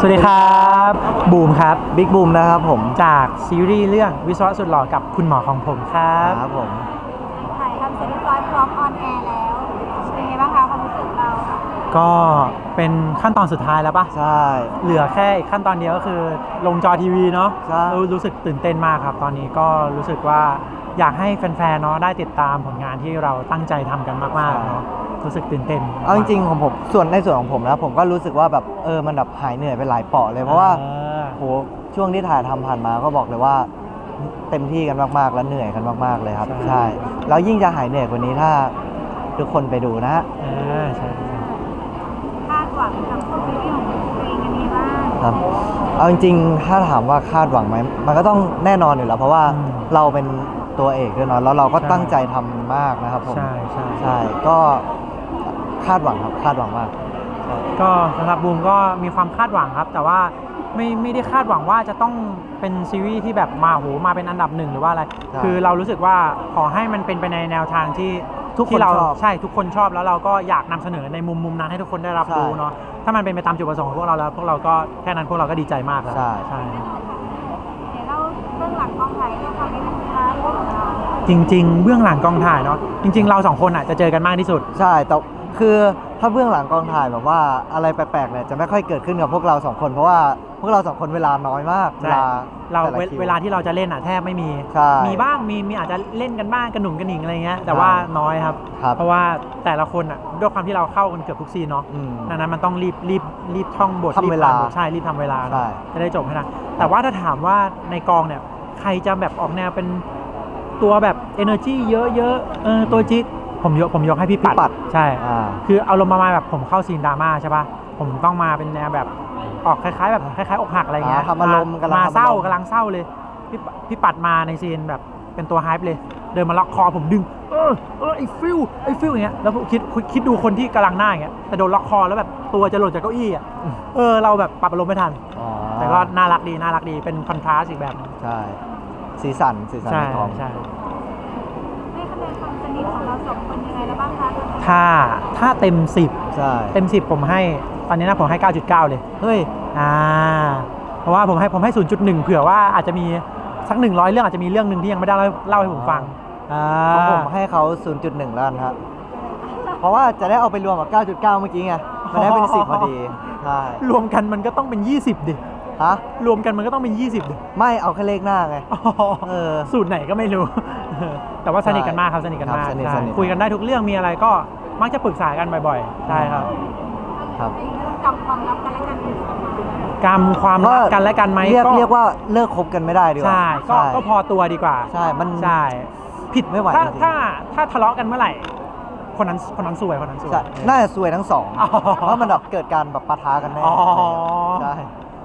วัสดีครับบูมครับบิ๊กบูมนะครับผมจากซีรีส์เรื่องวิศวะสุดหล่อกับคุณหมอของผมครับผมถ่ายทำเสร็จเรียบร้อยพร้อมออนแอร์แล้วเป็นไงบ้างคะความรู้สึกเราก็เป็นขั้นตอนสุดท้ายแล้วปะใช่เหลือแค่อีกขั้นตอนเดียวก็คือลงจอทีวีเนาะใช่รู้สึกตื่นเต้นมากครับตอนนี้ก็รู้สึกว่าอยากให้แฟนๆเนาะได้ติดตามผลงานที่เราตั้งใจทำกันมากๆเนาะรู้สึกตื่นเต้นเอาจริงๆของผมในส่วนของผมนะผมก็รู้สึกว่าแบบมันแบบหายเหนื่อยไปหลายเปาะเลยเพราะว่าโหช่วงที่ถ่ายทำผ่านมาก็บอกเลยว่าเต็มที่กันมากๆและเหนื่อยกันมากๆเลยครับใช่แล้วยิ่งจะหายเหนื่อยกว่านี้ถ้าทุกคนไปดูนะใช่คาดหวังกับซีรีส์ของตัวเองกันนี้บ้างครับเอาจริงๆถ้าถามว่าคาดหวังไหมมันก็ต้องแน่นอนอยู่แล้วเพราะว่าเราเป็นตัวเอกด้วยเนาะแล้วเราก็ตั้งใจทำมากนะครับผมใช่ก็คาดหวังครับคาดหวังมากก็สำหรับบูมก็มีความคาดหวังครับแต่ว่าไม่ได้คาดหวังว่าจะต้องเป็นซีรีส์ที่แบบมาเป็นอันดับหนึ่งหรือว่าอะไรคือเรารู้สึกว่าขอให้มันเป็นไปในแนวทางที่ทุกคนชอบใช่ทุกคนชอบแล้วเราก็อยากนำเสนอในมุมนั้นให้ทุกคนได้รับรู้เนาะถ้ามันเป็นไปตามจุดประสงค์ของพวกเราแล้วพวกเราก็แค่นั้นพวกเราก็ดีใจมากแล้วใช่เดี๋ยวเราเบื้องหลังกองถ่ายให้ความนิดนึงนะคะจริงๆเบื้องหลังกองถ่ายเนาะจริงๆเราสองคนอ่ะจะเจอกันมากที่สุดใช่แต่คือถ้าเบื้องหลังกองถ่ายแบบว่าอะไรแปลกๆเนี่ยจะไม่ค่อยเกิดขึ้นกับพวกเราสองคนเพราะว่าพวกเราสองคนเวลาน้อยมากเวลาที่เราจะเล่นอ่ะแทบไม่มีมีบ้างมีอาจจะเล่นกันบ้างกระหนุ่มกระหนิงอะไรเงี้ยแต่ว่าน้อยครับเพราะว่าแต่ละคนอ่ะด้วยความที่เราเข้ากันเกือบทุกซีนเนาะดังนั้นมันต้องรีบท่องบททำเวลาใช่รีบทำเวลาจะได้จบให้ทันแต่ว่าถ้าถามว่าในกองเนี่ยใครจะแบบออกแนวเป็นตัวแบบ energy เยอะๆตัวจิ๊ดผมยกให้พี่ปัดใช่คือเอาลงมาแบบผมเข้าซีนดราม่าใช่ป่ะผมต้องมาเป็นแนวแบบออกคล้ายๆอกหักอะไรเงี้ยทำอารมณ์มาเศร้ากำลังเศร้าเลยพี่ปัดมาในซีนแบบเป็นตัวไฮป์เลยเดินมาล็อกคอผมดึงไอ้ฟิลอย่างเงี้ยแล้วคิดดูคนที่กำลังหน้าอย่างเงี้ยแต่โดนล็อกคอแล้วแบบตัวจะหล่นจากเก้าอี้อ่ะเราแบบปรับอารมณ์ไม่ทันแต่ก็น่ารักดีเป็นคอนทราสต์อีกแบบใช่สีสันในกองใช่ให้คะแนนความสนิทของเราสองคนยังไงแล้วบ้างคะถ้าเต็ม10 ใช่เต็ม10ผมให้ตอนนี้นะผมให้ 9.9 เลยเฮ้ยเพราะว่าผมให้ 0.1 เผื่อว่าอาจจะมีสัก100เรื่องอาจจะมีเรื่องนึงที่ยังไม่ได้เล่าให้ผมฟังของผมให้เขา 0.1 แล้วกันครับเพราะว่าจะได้เอาไปรวมกับ 9.9 เมื่อกี้ไงมันได้เป็น10พอดีใช่รวมกันมันก็ต้องเป็น20ดิรวมกันมันก็ต้องเป็น20ดิไม่เอาแค่เลขหน้าไงสูตรไหนก็ไม่รู้แต่ว่าสนิทกันมากครับสนิทกันมากคุยกันได้ทุกเรื่องมีอะไรก็มักจะปรึกษากันบ่อยๆใช่ครับกำความลับกันและกันกรรมความรักกันและกันไหมเรียกว่าเลิกคบกันไม่ได้ดีกว่าใช่ก็พอตัวดีกว่าใช่มันผิดไม่ไหวถ้าทะเลาะกันเมื่อไหร่คนนั้นซวยน่าจะซวยทั้งสองเพราะมันแบบเกิดการแบบปะทะกันแน่ใช่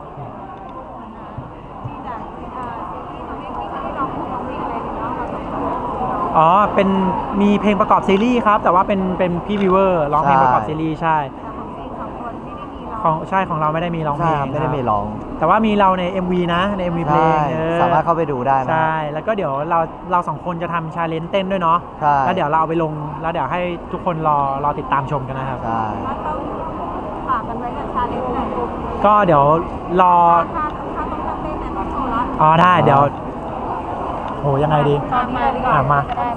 เป็นมีเพลงประกอบซีรีส์ครับแต่ว่าเป็นพี่วิวเวอร์ร้องเพลงประกอบซีรีส์ใช่ของเราไม่ได้มีร้องเพลงไม่ได้มีร้องแต่ว่ามีเราใน MV นะใน MV เพลงสามารถเข้าไปดูได้นะใช่แล้วก็เดี๋ยวเราสองคนจะทำชาเลนจ์เต้นด้วยเนาะแล้วเดี๋ยวเราเอาไปลงแล้วเดี๋ยวให้ทุกคนรอติดตามชมกันนะครับใช่ต้องฝากกันไว้กับชาเลนจ์หน่อยก็เดี๋ยวรอถ้าต้องเต้นเนี่ยต้องโชว์ละได้เดี๋ยวโหยังไงดีมา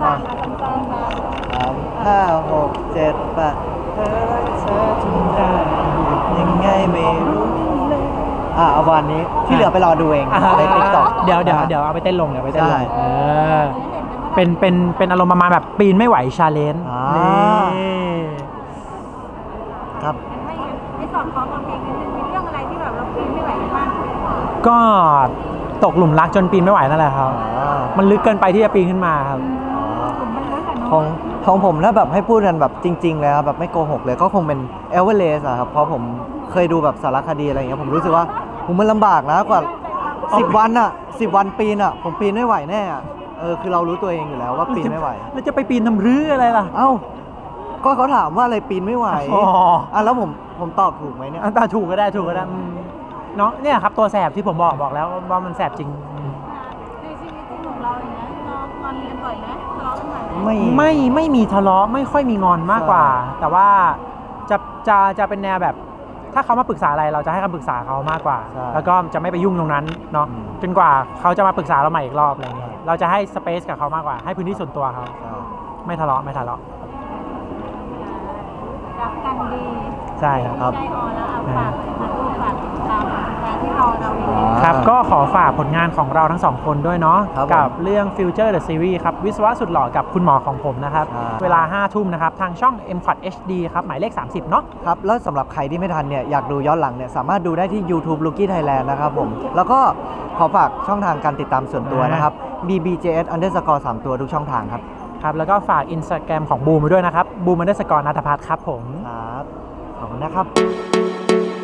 5 6 7 8เธอทำได้ยังไงไม่รู้เอาวันนี้ที่เหลือไปรอดูเองใน TikTok เดี๋ยวเอาไปเต้นลงเป็นอารมณ์ประมาณแบบปีนไม่ไหวชาเลนจ์นี่ครับในส่วนของเพลงนี้มีเรื่องอะไรที่แบบเราปีนไม่ไหวบ้างก็ตกหลุมรักจนปีนไม่ไหวนั่นแหละครับมันลึกเกินไปที่จะปีนขึ้นมาครับของผมถ้าแบบให้พูดกันแบบจริงๆเลยครับแบบไม่โกหกเลยก็คงเป็นเอเวอเรสต์ครับเพราะผมเคยดูแบบสารคดีอะไรอย่างเงี้ยผมรู้สึกว่าผมมันลำบากนะกว่า10 วันอ่ะ10 วันปีนอ่ะผมปีนไม่ไหวแน่คือเรารู้ตัวเองอยู่แล้วว่าปีนไม่ไหวแล้วจะไปปีนทำรื้ออะไรล่ะก็เขาถามว่าอะไรปีนไม่ไหวแล้วผมตอบถูกไหมเนี่ยถูกก็ได้เนาะเนี่ยครับตัวแสบที่ผมบอกแล้วว่ามันแสบจริงในชีวิตจริงของเราอย่างเงี้ยงอนกันบ่อยไหมทะเลาะกันบ่อยไหมไม่มีทะเลาะไม่ค่อยมีงอนมากกว่าแต่ว่าจะเป็นแนวแบบถ้าเขามาปรึกษาอะไรเราจะให้คำปรึกษาเขามากกว่าใช่แล้วก็จะไม่ไปยุ่งตรงนั้นเนาะอืมจนกว่าเขาจะมาปรึกษาเราใหม่อีกรอบอะไรเงี้ยเราจะให้สเปซกับเขามากกว่าให้พื้นที่ส่วนตัวเขาใช่ไม่ทะเลาะไม่ทะเลาะรักกันดีใช่ครับครับใจอ่อนแล้วเอาฝากเลยค่ะลูกฝากติดตามงานที่เราอยู่ครับก็ขอฝากผลงานของเราทั้งสองคนด้วยเนาะครับผมกับเรื่อง Future the Series ครับวิศวะสุดหล่อกับคุณหมอของผมนะครับใช่เวลา 5 ทุ่มนะครับ ทางช่อง m q u a d HD ครับ หมายเลข 30 เนาะครับแล้วสำหรับใครที่ไม่ทันเนี่ยอยากดูย้อนหลังเนี่ยสามารถดูได้ที่ YouTube Rookie Thailand นะครับผม แล้วก็ขอฝากช่องทางการติดตามส่วนตัวนะครับ bbjs__ 3 ตัวทุกช่องทางครับครับ แล้วก็ฝาก Instagram ของบูมไว้ด้วยนะครับบูม_นัทพัฒน์ครับผมครับ ขอบคุณนะครับ